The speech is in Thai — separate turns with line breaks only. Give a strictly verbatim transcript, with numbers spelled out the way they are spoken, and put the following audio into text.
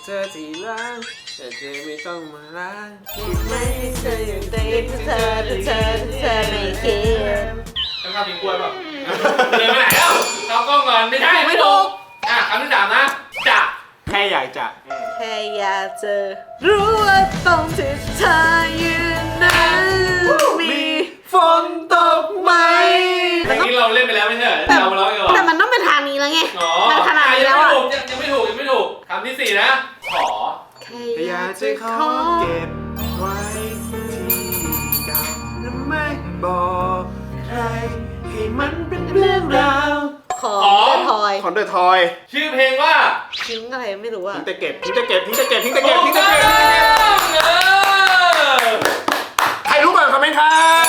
เธอที่รักแต่เธอไม่ต้องมารัก
ไม่เธออยู่ในเธอเธอเธอเธอไม่คิด
ต้องทำเป็นกล้วยป่ะเดินไปไหนแล้วเอากล้องก่อนไม่ใช่
ไม่ถูก
อ่ะคำที่สามนะจะ
แค่อยากจะ
แค่อยากจะรู้ว่าตรงที่เธอยืนนั้นมี
ฝนตกไหม
เพลงนี้เราเล่นไปแล้วไม่ใช่เหรอเรามาร้องกันก่อน
แต่มันต้องเป็นทางนี้แล้วไง
อ๋อ
มันขนาดนี้แล้ว
ยัง
อ่ะ
ไม่ถูกยังไม่ถูกยังไม่ถูกคำที่สี่นะขอ
แค่
อยากจะขอเก็บไว้ที่เก่าและไม่บอกใครให้มันเป็นเรื่องราว
ของเดอะทอย
ของเดอะทอย
ชื่อเพลงว่า
ทิ้งอะไรไม่รู้อ่ะ
ทิ้งแต่เก็บทิ้งแต่เก็บทิ้งแต่เก็บทิ้งแต่เก็บทิ้งแต่เก็บ
เออ
ใครรู้ก่อนคอมเมนต์ครับ